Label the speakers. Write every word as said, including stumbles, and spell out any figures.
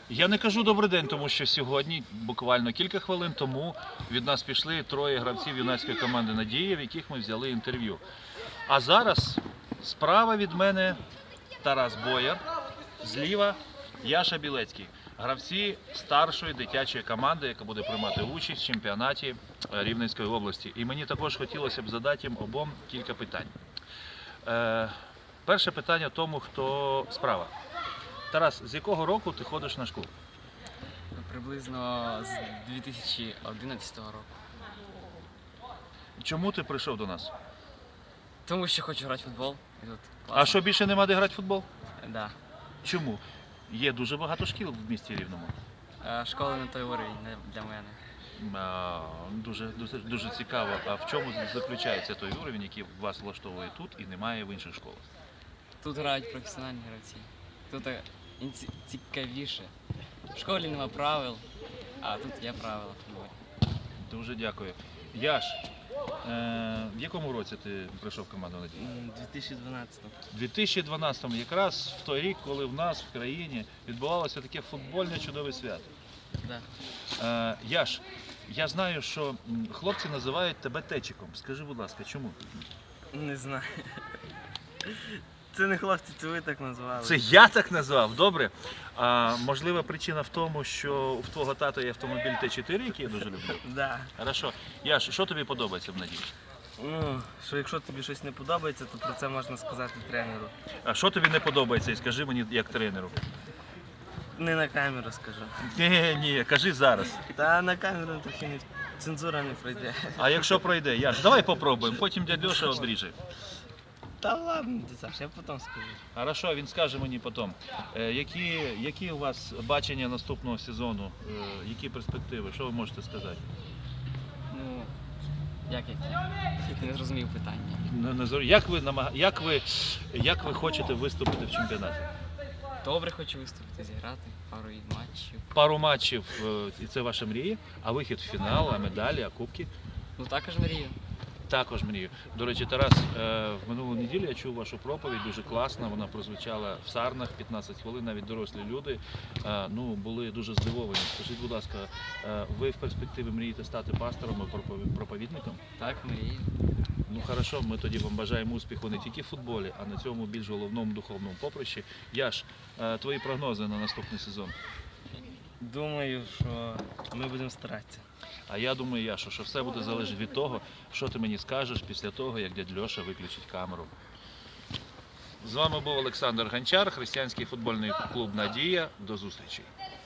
Speaker 1: Я не кажу добрий день, тому що сьогодні, буквально кілька хвилин тому, від нас пішли троє гравців юнацької команди «Надія», в яких ми взяли інтерв'ю. А зараз справа від мене Тарас Бояр, зліва Яша Білецький. Гравці старшої дитячої команди, яка буде приймати участь в чемпіонаті Рівненської області. І мені також хотілося б задати їм обом кілька питань. Е, перше питання тому, хто справа. Тарас, з якого року ти ходиш на школу?
Speaker 2: Приблизно з дві тисячі одинадцятого року.
Speaker 1: Чому ти прийшов до нас?
Speaker 2: Тому що хочу грати в футбол. І тут класно.
Speaker 1: А що, більше нема де грати в футбол?
Speaker 2: Да.
Speaker 1: Чому? Є дуже багато шкіл в місті Рівному.
Speaker 2: Е, Школа на той уровень не для мене.
Speaker 1: А, дуже, дуже, дуже цікаво. А в чому заключається той уровень, який вас влаштовує тут і немає в інших школах?
Speaker 2: Тут грають професіональні гравці. Тут е, інці- цікавіше. В школі нема правил, а тут є правила в футболі.
Speaker 1: Дуже дякую. Яш, е, в якому році ти прийшов в команду «Надія»?
Speaker 2: дві тисячі дванадцятого.
Speaker 1: У дві тисячі дванадцятому, якраз в той рік, коли в нас в країні відбувалося таке футбольне чудове свято.
Speaker 2: Да.
Speaker 1: Е, Яш, я знаю, що м, хлопці називають тебе Течиком. Скажи, будь ласка, чому?
Speaker 3: Не знаю. Це не хлопці, це ви так назвали.
Speaker 1: Це я так назвав, добре. А, можлива причина в тому, що в твого тата є автомобіль Т чотири, який я дуже люблю.
Speaker 3: Да.
Speaker 1: Хорошо. Яш, що тобі подобається в «Надії»?
Speaker 3: Ну, що якщо тобі щось не подобається, то про це можна сказати тренеру.
Speaker 1: А що тобі не подобається, і скажи мені як тренеру.
Speaker 3: Не на камеру скажу.
Speaker 1: Ні, ні, кажи зараз.
Speaker 3: Та на камеру трохи не цензура не пройде.
Speaker 1: А якщо пройде, Яш, давай попробуємо, потім дядь Льоша обріже.
Speaker 3: Та ладно, Саш, я потім скажу.
Speaker 1: Хорошо, він скаже мені потім. Е, які, які у вас бачення наступного сезону? Е, які перспективи? Що ви можете сказати?
Speaker 2: Ну, як які? Не зрозумів питання.
Speaker 1: Не- не зрозумів. Як ви, намага... як, ви, як ви хочете виступити в чемпіонаті?
Speaker 2: Добре хочу виступити, зіграти пару матчів.
Speaker 1: Пару матчів, е, і це ваша мрія, а вихід в фінал, а медалі, а кубки?
Speaker 2: Ну також мрію.
Speaker 1: Також мрію. До речі, Тарас, е, в минулу неділю я чув вашу проповідь, дуже класна, вона прозвучала в Сарнах, п'ятнадцять хвилин, навіть дорослі люди е, ну, були дуже здивовані. Скажіть, будь ласка, е, ви в перспективі мрієте стати пастором і пропові- проповідником?
Speaker 2: Так, мрію.
Speaker 1: Ну хорошо, ми тоді вам бажаємо успіху не тільки в футболі, а на цьому більш головному духовному поприщі. Яш, е, твої прогнози на наступний сезон?
Speaker 3: Думаю, що ми будемо старатися.
Speaker 1: А я думаю, Яшо, що все буде залежати від того, що ти мені скажеш після того, як дядь Льоша виключить камеру. З вами був Олександр Гончар, християнський футбольний клуб «Надія». До зустрічі.